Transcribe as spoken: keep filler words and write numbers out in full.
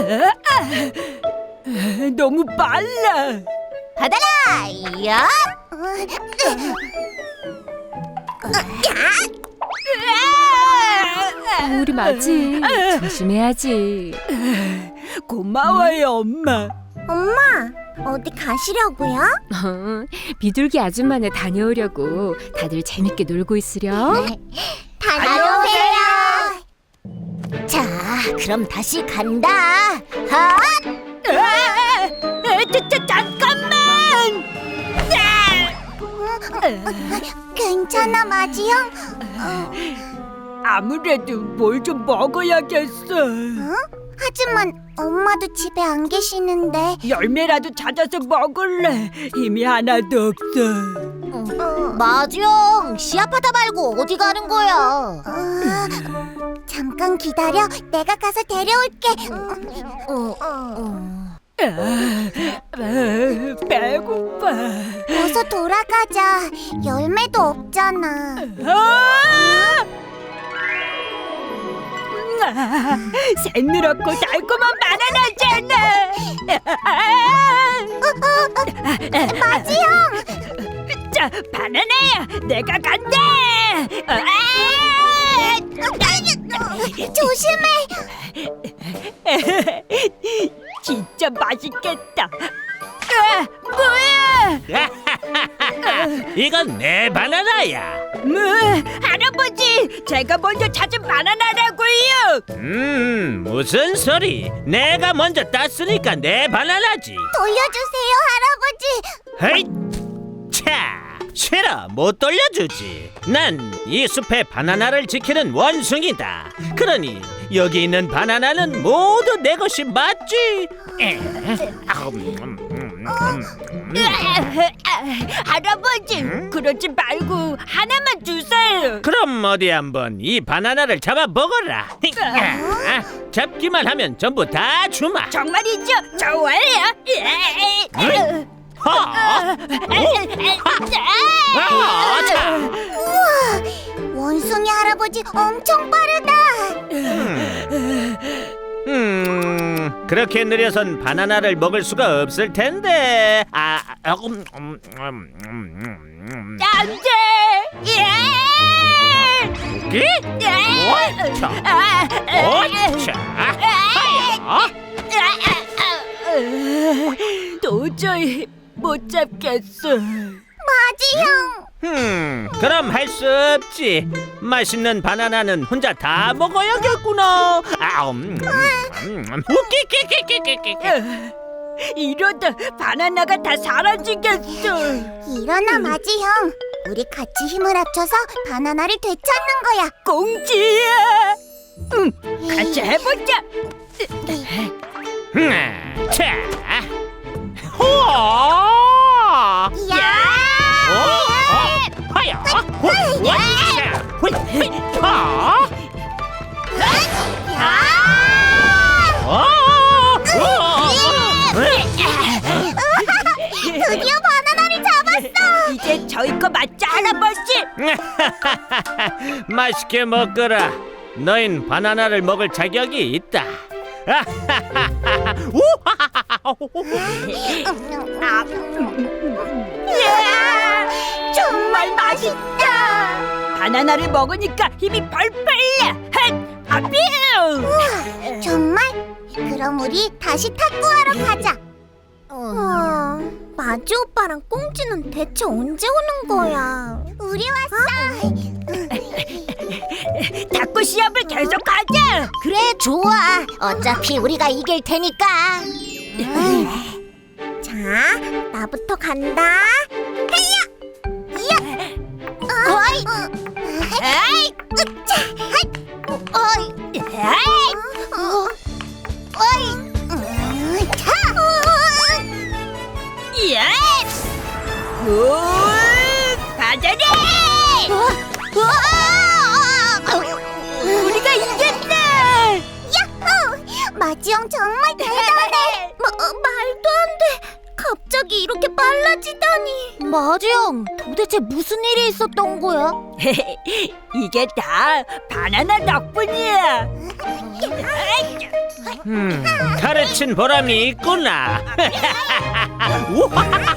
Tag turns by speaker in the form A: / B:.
A: 너무 빨라.
B: 받아라! 야!
C: 우리 맞지? 조심해야지.
A: 고마워요, 엄마.
B: 엄마, 어디 가시려고요?
C: 비둘기 아줌마네 다녀오려고. 다들 재밌게 놀고 있으렴.
B: 다녀오세요. 자, 그럼 다시 간다. 하!
A: 자, 자, 잠깐만.
B: 괜찮아, 마지 형?
A: 아무래도 뭘 좀 먹어야겠어.
B: 하지만 엄마도 집에 안 계시는데.
A: 열매라도 찾아서 먹을래. 힘이 하나도 없어.
B: 마지 형, 시합하다 말고 어디 가는 거야? 잠깐 기다려. 내가 가서 데려올게.
A: 아, 배고파.
B: 어서 돌아가자. 열매도 없잖아.
A: 아! 아, 새누랗고 달콤한 바나나잖아.
B: 마지 형!
A: 자, 바나나야, 내가 간다.
B: 조심해.
A: 진짜 맛있겠다. 아, 뭐야?
D: 이건 내 바나나야.
A: 뭐, 할아버지, 제가 먼저 찾은 바나나라고요.
D: 음, 무슨 소리? 내가 먼저 땄으니까 내 바나나지.
B: 돌려주세요, 할아버지.
D: 헤이! 차! 싫어, 못 돌려주지. 난 이 숲의 바나나를 지키는 원숭이다. 그러니 여기 있는 바나나는 모두 내 것이 맞지? 에, 아우, 음, 음, 음.
A: 할아버지, 그러지 말고 하나만 주세요.
D: 그럼 어디 한번 이 바나나를 잡아 먹어라. 아, 잡기만 하면 전부 다 주마.
A: 정말이죠? 좋아요.
D: 허! 아, 자.
B: 원숭이 할아버지 엄청 빠르다.
D: 음, 그렇게 느려선 바나나를 먹을 수가 없을 텐데. 아, 아, 음, 음, 음, 음, 음.
A: 안 돼. 예!
D: 웃기?
A: 예!
D: 오차,
A: 아,
D: 오차, 하야.
A: 도저히 못 잡겠어.
B: 마지 형.
D: 음, 그럼 할 수 없지. 맛있는 바나나는 혼자 다 먹어야겠구나. 아, 음, 음, 음. 웃기기기기기기.
A: 이러다 바나나가 다 사라지겠어.
B: 일어나, 마지 형. 우리 같이 힘을 합쳐서 바나나를 되찾는 거야.
A: 공지야. 응, 같이 해보자.
D: 음, 자, 호아.
B: 야!
D: 하야, 호, 야, 호, 하, 어,
B: 드디어 바나나를 잡았어.
A: 이제 저희 거 맞죠, 할아버지?
D: 맛있게 먹거라. 너흰 바나나를 먹을 자격이 있다.
A: 이야, 정말 맛있다. 바나나를 먹으니까 힘이 펄펄 나. 핫, 아피우.
B: 정말? 그럼 우리 다시 탁구하러 가자. 어, 마지 오빠랑 꽁지는 대체 언제 오는 거야? 우리 왔어.
A: 탁구 시합을 계속하자.
B: 그래, 좋아. 어차피 우리가 이길 테니까. 자, 나부터 간다. 헤이야! 이야! 어이! 에이! 으차! 핫! 어이! 에이! 어, 어이! 음, 차!
A: 예! 오! 바다리! 우리가 이겼다!
B: 야호! 마지 형 정말 대단해. 마, 말도 안 돼. 갑자기 갑자기 이렇게 빨라지다니. 마리앙, 도대체 무슨 일이 있었던 거야?
A: 이게 다 바나나 덕분이야.
D: 음, 가르친 보람이 있구나. 우와!